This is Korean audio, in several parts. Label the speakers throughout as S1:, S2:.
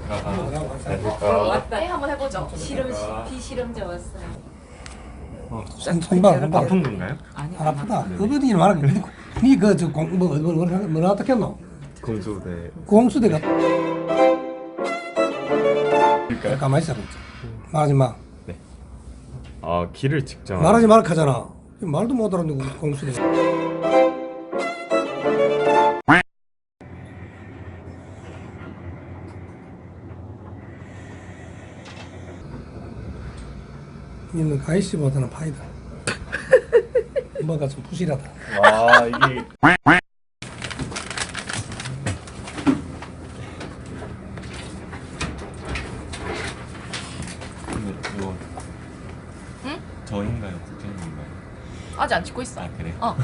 S1: 네, 한번 해보죠. 비실험자 왔어요.
S2: 손발
S3: 아픈 건가요?
S2: 안 아프다. 어디 일 말하게. 니그저 뭐라 어떻게 했노?
S3: 공수대.
S2: 공수대가. 가만히 있어. 말하지 마.
S3: 네. 아 길을 직접.
S2: 말하지 말라 하잖아. 말도 못 알아듣는 공수대. 이는 가이씨보다는 파이다. 뭔가 좀 부실하다.
S3: 와 이게. 이거.
S1: 응?
S3: 저인가요? 국장님인가요?
S1: 아직 안 찍고 있어.
S3: 아 그래?
S1: 어.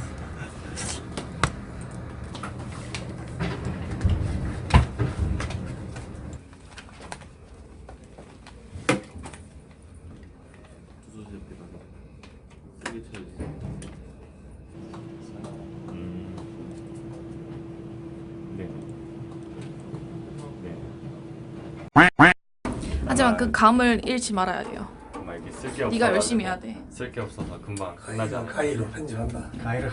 S1: 하지만 그 감을 잃지 말아야 돼요.
S3: 정말 이게 쓸게 없어.
S1: 네가 열심히 해야 돼.
S3: 쓸게 없어서 금방 끝나지 않아.
S2: 가이로 편집한다. 가이로.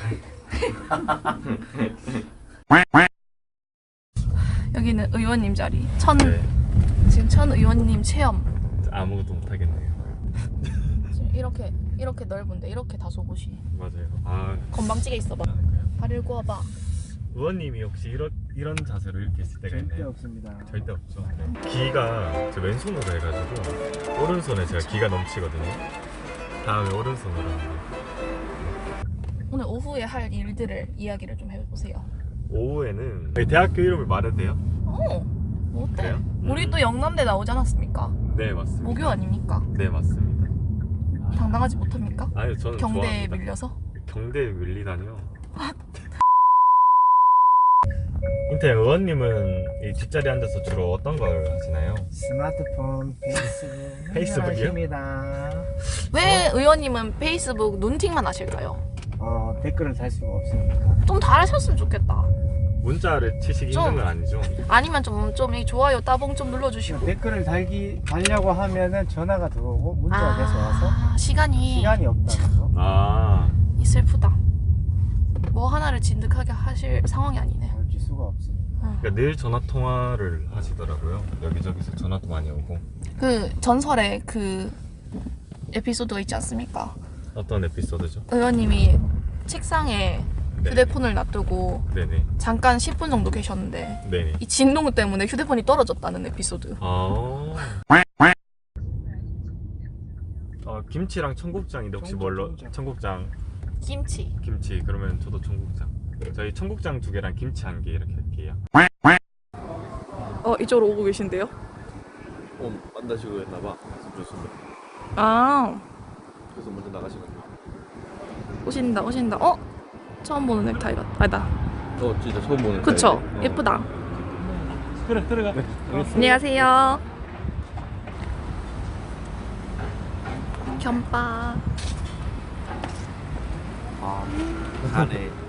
S1: 여기는 의원님 자리.
S3: 네.
S1: 지금 천 의원님 체험.
S3: 아무것도 못 하겠네요.
S1: 지금 이렇게 넓은데 이렇게 다소 곳이.
S3: 맞아요. 아
S1: 건방지게 있어봐. 발을 구워봐.
S3: 의원님이 혹시 이런 자세로 이렇게 있을 때가 있나요?
S4: 절대 없습니다.
S3: 절대 없죠. 네. 기가 저 왼손으로 해가지고 오른손에 제가 기가 넘치거든요. 다음에 오른손으로 합니다.
S1: 오늘 오후에 할 일들을 이야기를 좀 해보세요.
S3: 오후에는 대학교 이름을 말해도 돼요?
S1: 뭐 어때?
S3: 그래요?
S1: 우리 또 영남대 나오지 않았습니까?
S3: 네 맞습니다.
S1: 모교 아닙니까?
S3: 네 맞습니다.
S1: 당당하지 못합니까?
S3: 아니 저는
S1: 경대에
S3: 좋아합니다.
S1: 밀려서?
S3: 경대에 밀리다니요. 인태 의원님은 이 뒷자리에 앉아서 주로 어떤 걸 하시나요?
S4: 스마트폰, 페이스북,
S3: 페이스북이요?
S4: 하십니다.
S1: 왜 의원님은 페이스북 눈팅만 하실까요?
S4: 댓글을 달 수가 없으니까.
S1: 좀 달으셨으면 좋겠다.
S3: 문자를 치시기
S1: 좀.
S3: 힘든 건 아니죠?
S1: 아니면 좀 이 좋아요 따봉 좀 눌러주시고.
S4: 댓글을 달려고 하면은 전화가 들어오고 문자가 계속 와서
S1: 시간이
S4: 없다는 거.
S3: 아
S1: 이 슬프다. 뭐 하나를 진득하게 하실 상황이 아니네.
S4: 볼 수가 없으니까.
S3: 그러니까 늘 전화 통화를 하시더라고요. 여기저기서 전화도 많이 오고.
S1: 그 전설의 그 에피소드가 있지 않습니까?
S3: 어떤 에피소드죠?
S1: 의원님이 책상에
S3: 네.
S1: 휴대폰을 놔두고
S3: 네네.
S1: 잠깐 10분 정도 계셨는데
S3: 네네.
S1: 이 진동 때문에 휴대폰이 떨어졌다는 에피소드.
S3: 김치랑 청국장인데 혹시 뭘로? 청국장,
S1: 김치.
S3: 김치. 그러면 저도 청국장. 저희 청국장 2개랑 김치 1개 이렇게 할게요.
S1: 이쪽으로 오고 계신데요?
S5: 만나시고 했나봐. 좋습니다.
S1: 아,
S5: 그래서 먼저 나가시거든요.
S1: 오신다. 처음 보는 넥타이 같다. 아니다.
S5: 진짜 처음 보는.
S1: 그쵸?
S5: 타입이네.
S1: 예쁘다.
S5: 그래, 들어가. 네,
S1: 안녕하세요. 겸빠.
S5: 안에